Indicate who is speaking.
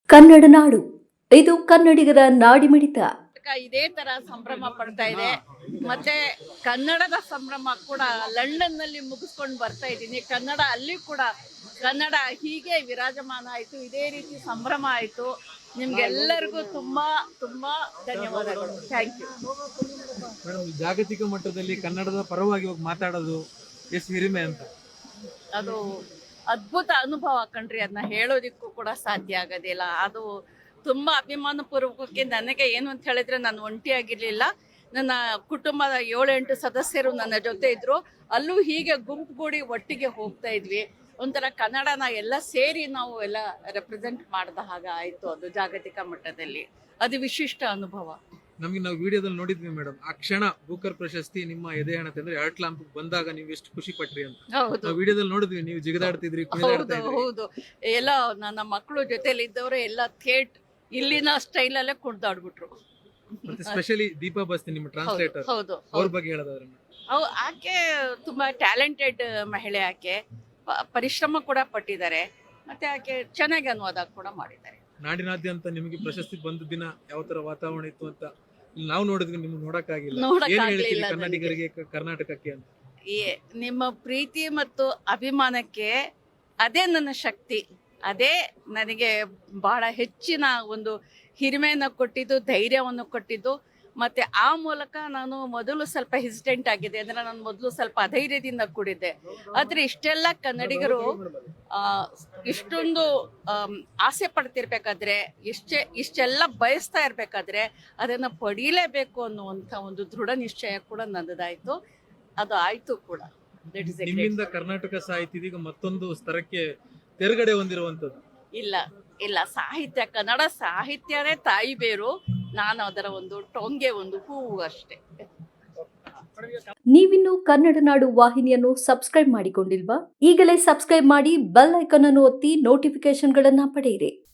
Speaker 1: ಕನ್ನಡ ನಾಡು ಇದು ಕನ್ನಡಿಗರ ನಾಡಿಮಿಡಿತ.
Speaker 2: ಇದೇ ತರ ಸಂಭ್ರಮ ಪಡ್ತಾ ಇದೆ. ಮತ್ತೆ ಕನ್ನಡದ ಸಂಭ್ರಮ ಕೂಡ ಲಂಡನ್ ನಲ್ಲಿ ಮುಗಿಸ್ಕೊಂಡು ಬರ್ತಾ ಇದ್ದೀನಿ. ಕನ್ನಡ ಅಲ್ಲಿ ಕೂಡ ಕನ್ನಡ ಹೀಗೆ ವಿರಾಜಮಾನ ಆಯ್ತು, ಇದೇ ರೀತಿ ಸಂಭ್ರಮ ಆಯ್ತು. ನಿಮ್ಗೆಲ್ಲರಿಗೂ ತುಂಬಾ ತುಂಬಾ ಧನ್ಯವಾದಗಳು. Thank you
Speaker 3: madam. ಜಾಗತಿಕ ಮಟ್ಟದಲ್ಲಿ ಕನ್ನಡದ ಪರವಾಗಿ ಹೋಗಿ ಮಾತಾಡೋದು ಎಷ್ಟು ಹಿರಿಮೆ ಅಂತ.
Speaker 2: ಅದು ಅದ್ಭುತ ಅನುಭವ ಕಣ್ರಿ. ಅದನ್ನ ಹೇಳೋದಿಕ್ಕೂ ಕೂಡ ಸಾಧ್ಯ ಆಗೋದಿಲ್ಲ. ಅದು ತುಂಬಾ ಅಭಿಮಾನ ಪೂರ್ವಕಕ್ಕೆ ನನಗೆ ಏನು ಅಂತ ಹೇಳಿದ್ರೆ, ನಾನು ಒಂಟಿಯಾಗಿರ್ಲಿಲ್ಲ. ನನ್ನ ಕುಟುಂಬದ 7-8 ಸದಸ್ಯರು ನನ್ನ ಜೊತೆ ಇದ್ರು. ಅಲ್ಲೂ ಹೀಗೆ ಗುಂಪುಗೂಡಿ ಒಟ್ಟಿಗೆ ಹೋಗ್ತಾ ಇದ್ವಿ. ಒಂಥರ ಕನ್ನಡನ ಎಲ್ಲ ಸೇರಿ ನಾವು ಎಲ್ಲ ರೆಪ್ರೆಸೆಂಟ್ ಮಾಡಿದ ಹಾಗೆ ಆಯ್ತು. ಅದು ಜಾಗತಿಕ ಮಟ್ಟದಲ್ಲಿ ಅದು ವಿಶಿಷ್ಟ ಅನುಭವ.
Speaker 3: ನಮಗೆ ನಾವು ವಿಡಿಯೋದಲ್ಲಿ ನೋಡಿದ್ವಿ ಮೇಡಮ್, ಆ ಕ್ಷಣ ಬೂಕರ್ ಪ್ರಶಸ್ತಿ ನಿಮ್ಮ ಎದೆ ಹಣತೆ ಅಂದ್ರೆ ಆರ್ಟ್ ಲ್ಯಾಂಪ್ ಬಂದಾಗ ನೀವು ಎಷ್ಟು ಖುಷಿ ಪಟ್ರಿ ಅಂತ
Speaker 2: ಹೌದು
Speaker 3: ನಾವು ವಿಡಿಯೋದಲ್ಲಿ ನೋಡಿದ್ವಿ. ನೀವು ಜಿಗದಾಡ್ತಿದ್ರಿ,
Speaker 2: ಹೌದು ಹೌದು. ಎಲ್ಲ ನನ್ನ ಮಕ್ಕಳು ಜೊತೆಲಿ ಇದ್ದವರು ಎಲ್ಲ ಇಲ್ಲಿನ ಸ್ಟೈಲ್ ಅಲ್ಲೇ ಕುಡ್ದಾಡ್ಬಿಟ್ರು.
Speaker 3: ಮತ್ತೆ ಸ್ಪೆಷಲಿ ದೀಪಾ ಬಸ್ತಿ ನಿಮ್ಮ ಟ್ರಾನ್ಸ್ಲೇಟರ್,
Speaker 2: ಹೌದು
Speaker 3: ಅವ್ರ ಬಗ್ಗೆ ಹೇಳೋದಾದ್ರೆ
Speaker 2: ಆಕೆ ತುಂಬಾ ಟ್ಯಾಲೆಂಟೆಡ್ ಮಹಿಳೆ. ಆಕೆ ಪರಿಶ್ರಮ ಕೂಡ ಪಟ್ಟಿದ್ದಾರೆ. ಮತ್ತೆ ಆಕೆ ಚೆನ್ನಾಗಿ ಅನುವಾದ ಕೂಡ ಮಾಡಿದ್ದಾರೆ.
Speaker 3: ನಾಡಿನಾದ್ಯಂತ ನಿಮಗೆ ಪ್ರಶಸ್ತಿ ಬಂದ ದಿನ ಯಾವ ತರ ವಾತಾವರಣ ಇತ್ತು ಅಂತ ಇಲ್ಲಿ ನಾವು ನೋಡಿದ್ವಿ, ನಿಮ್ಗೆ ನೋಡಕ್ಕಾಗಿಲ್ಲ. ಏನ್ ಹೇಳ್ತೀರಿ ಕನ್ನಡಿಗರಿಗೆ, ಕರ್ನಾಟಕಕ್ಕೆ ಅಂತ?
Speaker 2: ನಿಮ್ಮ ಪ್ರೀತಿ ಮತ್ತು ಅಭಿಮಾನಕ್ಕೆ ಅದೇ ನನ್ನ ಶಕ್ತಿ. ಅದೇ ನನಗೆ ಬಹಳ ಹೆಚ್ಚಿನ ಒಂದು ಹಿರಿಮೆಯನ್ನು ಕೊಟ್ಟಿದ್ದು, ಧೈರ್ಯವನ್ನು ಕೊಟ್ಟಿದ್ದು. ಮತ್ತೆ ಆ ಮೂಲಕ ನಾನು ಮೊದಲು ಸ್ವಲ್ಪ ಹೆಸಿಟೆಂಟ್ ಆಗಿದೆ, ಅಂದ್ರೆ ನಾನು ಮೊದಲು ಸ್ವಲ್ಪ ಅಧೈರ್ಯದಿಂದ ಕೂಡಿದ್ದೆ. ಆದ್ರೆ ಇಷ್ಟೆಲ್ಲ ಕನ್ನಡಿಗರು ಇಷ್ಟೊಂದು ಆಸೆ ಪಡ್ತಿರ್ಬೇಕಾದ್ರೆ, ಇಷ್ಟೆಲ್ಲ ಬಯಸ್ತಾ ಇರ್ಬೇಕಾದ್ರೆ ಅದನ್ನ ಪಡೀಲೇಬೇಕು ಅನ್ನುವಂಥ ಒಂದು ದೃಢ ನಿಶ್ಚಯ ಕೂಡ ನನ್ನದಾಯ್ತು. ಅದು ಆಯ್ತು ಕೂಡ.
Speaker 3: ನಿಮ್ಮಿಂದ ಕರ್ನಾಟಕ ಸಾಹಿತ್ಯ ಇದೀಗ ಮತ್ತೊಂದು ಸ್ತರಕ್ಕೆ ತೆರಗಡೆ ಹೊಂದಿರುವಂತದ್ದು.
Speaker 2: ಇಲ್ಲ ಸಾಹಿತ್ಯ, ಕನ್ನಡ ಸಾಹಿತ್ಯನೇ ತಾಯಿ ಬೇರು. ನಾನು ಅದರ ಒಂದು ಟೊಂಗೆ, ಒಂದು ಹೂವು ಅಷ್ಟೇ.
Speaker 1: ನೀವಿನ್ನು ಕನ್ನಡ ನಾಡು ವಾಹಿನಿಯನ್ನು ಸಬ್ಸ್ಕ್ರೈಬ್ ಮಾಡಿಕೊಂಡಿಲ್ವಾ? ಈಗಲೇ ಸಬ್ಸ್ಕ್ರೈಬ್ ಮಾಡಿ, ಬೆಲ್ ಐಕಾನ್ ಅನ್ನು ಒತ್ತಿ ನೋಟಿಫಿಕೇಶನ್ಗಳನ್ನ ಪಡೆಯಿರಿ.